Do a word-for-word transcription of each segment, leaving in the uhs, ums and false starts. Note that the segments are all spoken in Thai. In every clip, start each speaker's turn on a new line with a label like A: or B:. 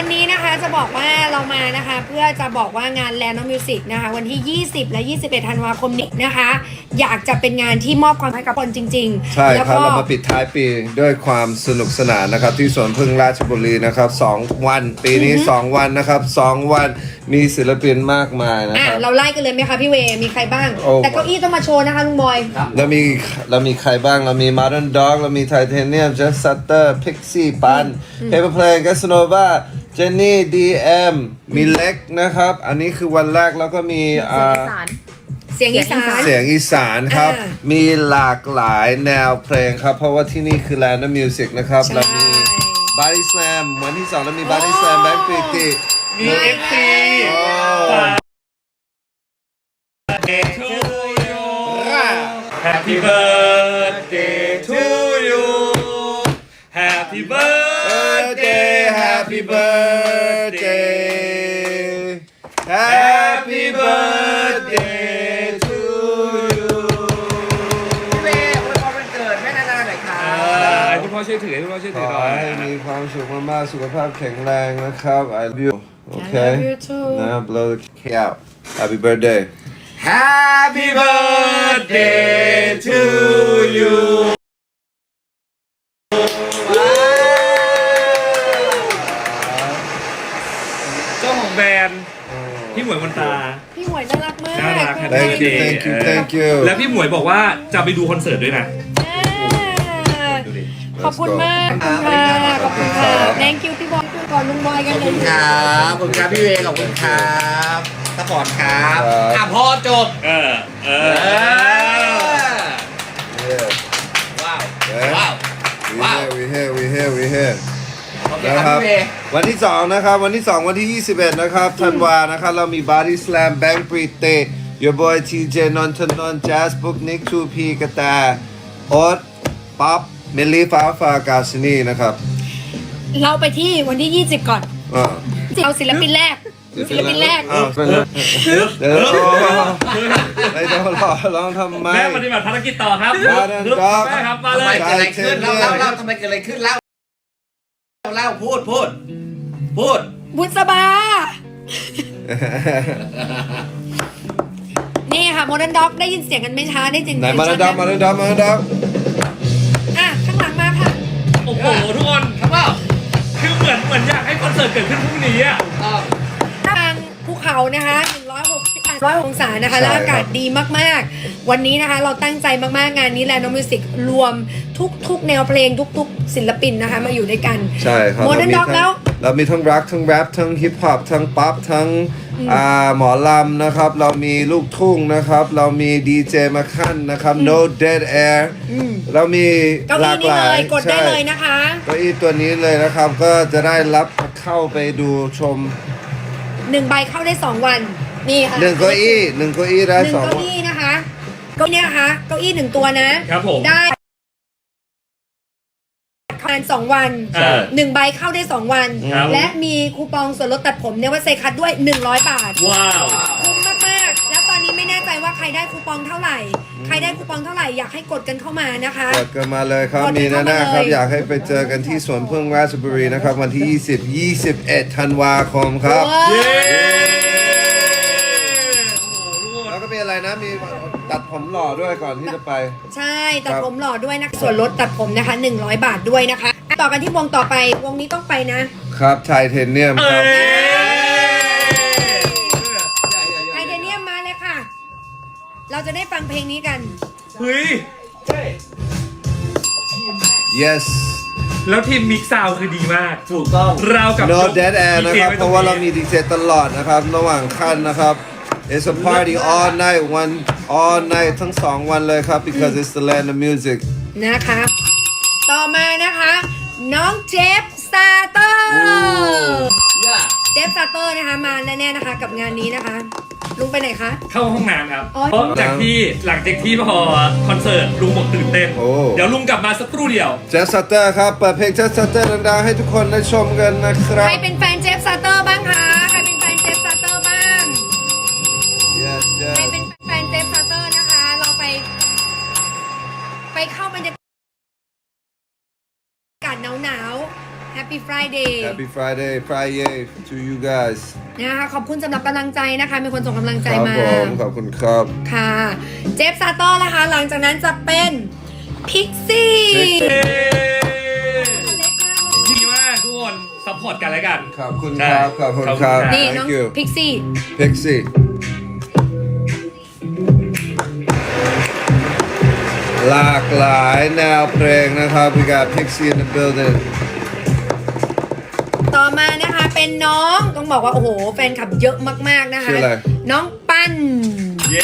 A: วันนี้นะคะจะบอกว่าเรามานะคะเพื่อจะบอกว่างาน Land of Music นะคะวันที่ยี่สิบและยี่สิบเอ็ดธันวาคมนี้นะคะอยากจะเป็นงานที่มอบความให้กับคนจริงๆ
B: ใช่ครับ
A: แล้วก็
B: เรามาปิดท้ายปีด้วยความสนุกสนานนะครับที่สวนพึ่งราชบุรีนะครับสองวันปีนี้สองวันนะครับสองวันมีศิลปินมากมายนะ
A: อ่ะ
B: ครับ
A: เราไล่กันเลยไหมคะพี่เวมีใครบ้าง
B: โอ้
A: แต่เก้าอี้ต้องมาโชว์นะคะลุงบอย
B: เรามีเรามีใครบ้างเรามี Modern Dog เรามี Titanium Just Sutter Pixie ปัน Paper Plane Casanova เจนนี่ ดี เอ็ม มีเล็กนะครับ อันนี้คือวันแรกแล้วก็มีอ่า
A: เสียงอีสาน
B: เสียงอีสานครับ
A: อ่า
B: มีหลากหลายแนวเพลงครับ เพราะว่าที่นี่คือ Land of Music นะครับ
A: ใช่
B: เรามี Body Slam วันที่สองเรามี Body Slam แบงค์ปรีติ
C: มี เอฟ ซี Happy birthday to you Happy birthday
B: Happy birthday Happy birthday to you
D: พี่เวย์อวยพรวันเกิดแม่นานาหน่อยค่ะ
C: ให้คุณพ่อช่วยถือให้คุณพ่อช่วย
B: ข
C: ถือ
B: อ
C: หน่อย
B: ให้มีความสุขมากๆสุขภาพแข็งแรงนะครับ I love you
A: I
B: okay
A: love you too
B: now blow the cake out Happy birthday
D: Happy birthday to you
C: เจ้าของแบรนด์พี่หมวยมนตา
A: พี่หมวยน่ารักมาก
C: น่ารัก
B: Thank you thank you thank you
C: แล้วพี่หมวยบอกว่าจะไปดูคอนเสิร์ตด้วยนะ
A: อ่าขอบคุณมากขอบคุณค่ะขอบคุณค่ะ thank you พี่บอยก่อนลุงบอยกัน
D: ขอบ
A: เล
D: คุ
A: ย
D: ณครับขอบคุณครับพี่เวย์ขอบคุณครับสปอร์ตครับ
B: ครับ
D: อ่ะพอจบ
C: เออ เอ
D: เอ
C: อ
D: อ
B: Yeah
D: ว้าว
B: Yeah
D: ว้าว
B: we
D: ว้าว
B: here we here we here we here
D: โอเค
B: นะครับ
D: พี่เวย์
B: วันที่สองนะครับวันที่สองวันที่ยี่สิบเอ็ดนะครับธันวานะครับเรามี Body Slam แบงค์ปรีเต Your Boy ที เจ นนทนนท์ Jazz Book Nick ทู พี กระแตโอ๊ตป๊อปเมลลี่ฟ้าฟ้ากาซินีนะครับ
A: เราไปที่วันที่ยี่สิบก่อน
B: อ่า
A: เอาศิลปินแรกศิลปินแรก
B: อ้าวเป็นไรเดี๋ยวไอ้เจ้าหล่อร้องทำไม
C: แม่ปฏิบัติภารกิจต่อครับ
B: มาเดินดอก
C: แม่ครับ มา
D: ทำ
C: เล
D: ไม
C: ย
D: เกิดอะไรขึ้นเล่าเล่าเล่าทำไมเกิดอะไรขึ้นเล่าเล่าพูดพูดพูด
A: บุษบา นี่ค่ะโมเดิร์นด็อกได้ยินเสียงกันไม่ช้าได้จริง
B: ไหนมาเดินดอกมาเดินดอกมาเดินดอก
A: อ่ะข้างหลังมาค่ะ
C: โอ้โห ทุกคน
D: ครับว่า
C: คือเหมือนเหมือนอยากให้คอนเสิร์ตเกิดขึ้นพรุ่งนี้อ่ะ
A: ทางภูเขานะคะหนึ่งร้อยหกสิบองศานะคะและอากาศดีมากๆ วันนี้นะคะเราตั้งใจมากๆงานนี้แลนด์มิวสิกรวมทุกๆแนวเพลงทุกๆศิลปินนะคะมาอยู่ด้วยกัน
B: ใช่ครับ
A: โมเดิร์นด็อกแล้ว
B: เรามีทั้งร็อกทั้งแรปทั้งฮิปฮอปทั้งป๊อปทั้งอ่าหมอลำนะครับ เรามีลูกทุ่งนะครับ เรามีดีเจมาขั้นนะครับ No Dead Air เรามี
A: เก้า
B: ห
A: อี้
B: ลาก
A: นี่
B: หลา
A: เลย ยกดได้
B: ใช่
A: เลยนะคะ
B: เก้าอี้ตัวนี้เลยนะครับ ก็จะได้รับเข้าไปดูชม
A: หนึ่งใบเข้าได้สองวันนี่ค่ะ
B: หนึ่งเก้าอี้หนึ่งเก้าอี้ได้
A: หนึ่ง
B: สอง
A: เก้าอี้นะคะเก้าอี้เนี่ยนะคะเก้าอี้หนึ่งตัวนะครับ
C: ผม
A: ได้ประมาณสองวัน
C: เออ
A: หนึ่งใบเข้าได้สองวัน
C: ครับ
A: และมีคูปองส่วนลดตัดผมเนี่ยว่าเซคัทด้วยหนึ่งร้อยบาท
C: ว้าว
A: คุ้มมากๆแล้วตอนนี้ไม่แน่ใจว่าใครได้คูปองเท่าไหร่ ใครได้คูปองเท่าไหร่อยากให้กดกันเข้ามานะคะ
B: กดกันมาเลยครับ
A: กดกัน
B: มี
A: เข้า
B: แน่
A: มา
B: ๆครับ
A: เลย
B: อยากให้ไปเจอกันที่สวนพึ่งราชบุรีนะครับ วันที่ ยี่สิบ ยี่สิบเอ็ด ธันวาคมครับ
A: ว้าว
C: เย้
B: แล้วก็มีอะไรนะ มีตัดผมหล่อด้วยก่อนที่จะไป
A: ใช่ตัดผมหล่อด้วยนะคะส่วนลดตัดผมนะคะหนึ่งร้อยบาทด้วยนะคะ ต่อกันที่วงต่อไปวงนี้ต้องไปนะครับ
B: ไทเทเนียม
C: เอ้
B: ครับ
C: ย
A: ไทเทเนียมมาเลยค่ะ เราจะได้ฟังเพลงนี้กัน
C: เฮ้ย
B: yes
C: แล้วทีมมิกซ์ซาวด์คือดีมาก
D: ถูกต้อง
C: เรากับ
B: no dead air นะครับ
C: ดีจไว้
B: เพราะว่าเรามีดีเจตลอดนะครับ ระหว่างขั้นนะครับ it's a party all night one all night ทั้งสองวันเลยครับ because it's the land of music
A: นะคะ ต่อมานะคะ น้องเจฟสตาร์เตอร์
D: ย่า
A: เจฟสตาร์เตอร์นะคะมาแน่ๆนะคะกับงานนี้นะคะ ลุงไปไหนคะ
C: เข้าห้องน้ำครับ
A: อ๋อ
C: เพราะจากที่หลังจากที่พอคอนเสิร์ตลุงบอกตื่นเต้น
B: โอ้
C: เดี๋ยวลุงกลับมาสักครู่เดียว
B: เจสเตอร์ครับเปิดเพลงเจสเตอร์ดังๆให้ทุกคนได้ชมกันนะครับ
A: ใครเป็นแฟนเจฟสตาร์เตอร์บ้างคะใครเป็นแฟนเจฟสตาร์เตอร์บ้าง
B: yes
A: ใคร
B: yes
A: เป็นแฟนเจฟสตาร์เตอร์นะคะ เราไป ไปเข้าบรรยากาศหนาวๆ Happy Friday
B: Happy Friday Friday to you guys
A: นะคะขอบคุณสำหรับกำลังใจนะคะ มีคนส่งกำลังใจ
B: ครับ
A: มา
B: ผมขอบคุณครับ
A: ค่ะ เจฟซาโต้นะคะ หลังจากนั้นจะเป็นพิกซี่
C: ดีมากทุกคนซัพพอร์ตกันแล้วกัน
B: ขอบคุณครับขอบคุณครับ
A: นี่น้อง
B: Thank you
A: พิกซี่
B: Pixie หลากหลายแนวเพลงนะครับ we got Pixie in the building
A: ต่อมานะคะเป็นน้องต้องบอกว่าโอ้โหแฟนคลับเยอะมากๆนะคะ
B: ชื่ออะไร
A: น้องปั้น
C: เย้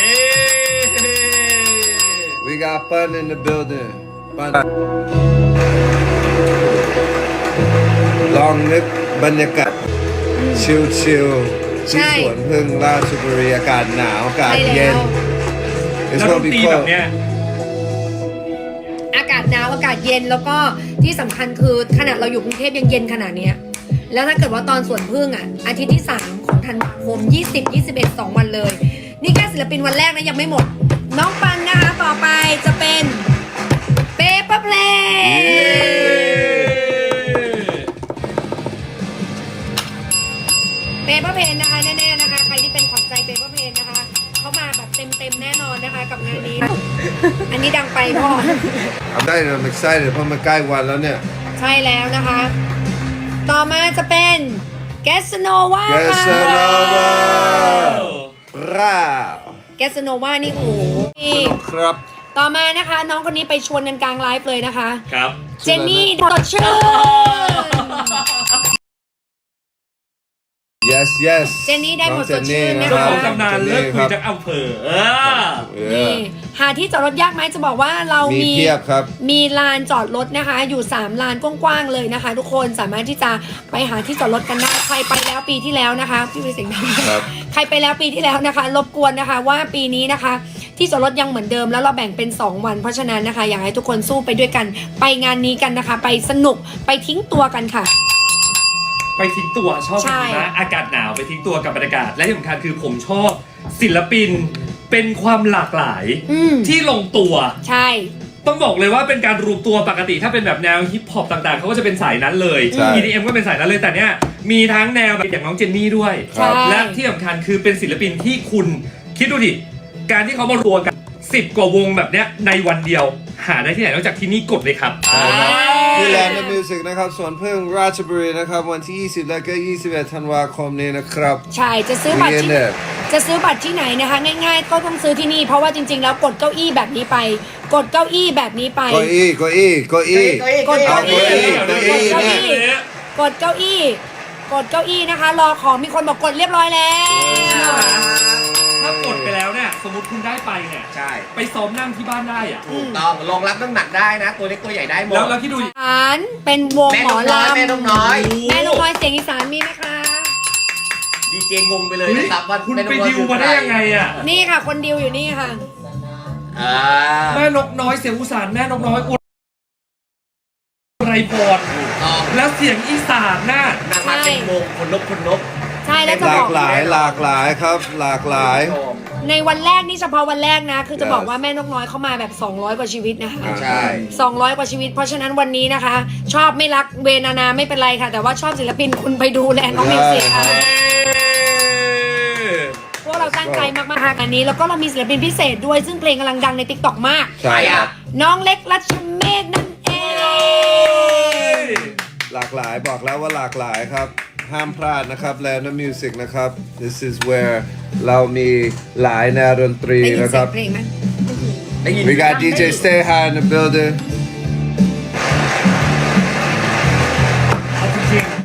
B: we got Fun in the building ปันลองนึกบรรยากาศชิลๆที่สวนพึ่งราชบุรีอากาศหนาวอากาศ
A: ใช่
B: เย็
A: แล้
B: น
A: ว
B: It's
C: แล้วด
B: gonna
C: น
B: be
C: ตรีแบบ
B: cold
C: เนี้ย
A: อากาศหนาวอากาศเย็นแล้วก็ที่สำคัญคือขนาดเราอยู่กรุงเทพยังเย็นขนาดเนี้ยแล้วถ้าเกิดว่าตอนสวนพึ่งอ่ะอาทิตย์ที่สามของธันวาคมยี่สิบ ยี่สิบเอ็ด สองวันเลย นี่แค่ศิลปินวันแรกนะยังไม่หมด น้องปันนะคะต่อไปจะเป็นเปเปอร์เพลเปเปอร์เพนนะคะแน่ๆนะคะใครที่เป็นขวัญใจเปเปอร์เพนนะคะเขามาแบบเต็มๆแน่นอนนะคะกับงานนี้ อันนี้ดังไปพ่อ
B: I'm excited I'm excited เพราะมันใกล้วันแล้วเนี่ย
A: ใช่แล้วนะคะ ต่อมาจะเป็นแกสโนวา
B: Casanova ร่า
A: แกสโนวานี่โอ้โหนี่
B: ครับ
A: ต่อมานะคะ น้องคนนี้ไปชวนกันกลางไลฟ์เลยนะคะ
C: ครับ
A: เจนนี่ดอดชื่น
B: yes yes
A: เจนนี่ได้หมด
B: องเจ
A: สดชื่นนะ
C: เจ้า
A: คะ
C: ของตำนานเลิกคุย
B: ค
C: จา
B: รับ
C: กอำเภอเออ
A: นี่หาที่จอดรถยากไหมจะบอกว่าเรา
B: มี
A: มี
B: เพียบครับ
A: มีลานจอดรถนะคะ อยู่สามลานกว้างๆเลยนะคะ ทุกคนสามารถที่จะไปหาที่จอดรถกันได้ใครไปแล้วปีที่แล้วนะคะพี่ไปเสียงดัง
B: ครับ
A: ใครไปแล้วปีที่แล้วนะคะ รบกวนนะคะว่าปีนี้นะคะ ที่จอดรถยังเหมือนเดิมแล้วเราแบ่งเป็นสองวันเพราะฉะนั้นนะคะ อยากให้ทุกคนสู้ไปด้วยกัน ไปงานนี้กันนะคะ ไปสนุกไปทิ้งตัวกันค่ะ
C: ไปทิ้งตัวชอบ
A: ใช่
C: นะอากาศหนาวไปทิ้งตัวกับบรรยากาศและที่สำคัญคือผมชอบศิลปินเป็นความหลากหลาย
A: อืม
C: ที่ลงตัว
A: ใช่
C: ต้องบอกเลยว่าเป็นการรวมตัวปกติถ้าเป็นแบบแนวฮิปฮอปต่างๆเขาก็จะเป็นสายนั้นเลย
B: ใช่
C: อี ดี เอ็ม ก็เป็นสายนั้นเลยแต่เนี้ยมีทั้งแนวแบบอย่างน้องเจนนี่ด้วย
A: ใช่
C: และที่สำคัญคือเป็นศิลปินที่คุณคิดดูดิการที่เขามารวมกันสิบกว่าวงแบบเนี้ยในวันเดียว หาได้ที่ไหนนอกจากที่นี่กดเลยครับ
B: ใช่ครับที่แลนด์มิวสิกนะครับสวนพึ่งราชบุรีนะครับ วันที่ ยี่สิบ และก็ ยี่สิบเอ็ด ธันวาคมนี้นะครับ
A: ใช่จะซื้อบัตรที่
B: เรียนเนี่ย
A: จะซื้อบัตรที่ไหนนะคะ ง่ายๆ ก็ต้องซื้อที่นี่เพราะว่าจริงๆ แล้วกดเก้าอี้แบบนี้ไป กดเก้าอี้แบบนี้ไป
B: เก้าอี้เก้าอี้เก้าอี้
A: กดเก้าอี้
B: เอาเก้าอี้
A: กดเก้าอี้กดเก้าอี้กดเก้าอี้นะคะ รอของมีคนบอกกดเรียบร้อยแล้ว
C: ถ้ากดไปแล้วเนี่ยสมมติคุณได้ไปเนี่ย
D: ใช่
C: ไปซ้อมนั่งที่บ้านได้อะ
D: ถูกต้องรองรับน้ำหนักได้นะ ตัวเล็กตัวใหญ่ได้หมด
C: แล้วแล้วคิดดู
A: ฐานเป็นวง
D: แม่
A: หม
D: น
A: อก
D: น้อย
A: ลำ
D: แม่นกน้อย
A: แม่นกน้อยเสียงอีสานมีไหมคะ
D: ดีเจงงไปเลย
C: เฮ้ย
D: นะครับว่า
C: คุณ
D: แม่นก
C: ไป
D: น้อย
C: ดิวมาได้ยังไงอ่ะ
A: นี่ค่ะ คนดิวอยู่นี่ค่ะ
D: อ่า
C: แม่นกน้อยเสียงอุสานแม่นกน้อยอุไรพร
D: ถูกต้อง
C: แล้วเสียงอีสานน่ะ
D: นางมาเป็นวงคนนกคนนก
A: ใช่แล้วจะ
B: ห
A: บ
B: ลา
A: อก
B: กหลายหลากหลายครับ หลากหลาย
A: ในวันแรกนี่เฉพาะวันแรกนะ คือจะ
B: Yes
A: บอกว่าแม่นกน้อยเข้ามาแบบ สองร้อย กว่าชีวิตนะคะ
B: อ่า
D: ใช่
A: สองร้อย กว่าชีวิต เพราะฉะนั้นวันนี้นะคะ ชอบไม่รักเวนานาไม่เป็นไรค่ะ แต่ว่าชอบศิลปินคุณไปดูแลน้องมิวสิกค่ะพวกเราตั้งใจมากๆค่ะอันนี้แล้วก็เรามีศิลปินพิเศษด้วยซึ่งเพลงกำลังดังใน ติ๊กต็อก มาก
B: ใช่ครับ
A: น้องเล็กรัชเมฆนั่นเอง
B: หลากหลายบอกแล้วว่าหลากหลายครับ ห้ามพลาดนะครับ Land of Music นะครับ This is where เรามีหลายแนวดนตรี
A: ได้ยิน
B: นะ
A: เสี
B: ค
A: ย
B: รั
A: ง
B: บ
A: เพลงไหม
D: ได้ยิน
B: We got ดี เจ Stay High in the building
C: เอาจริง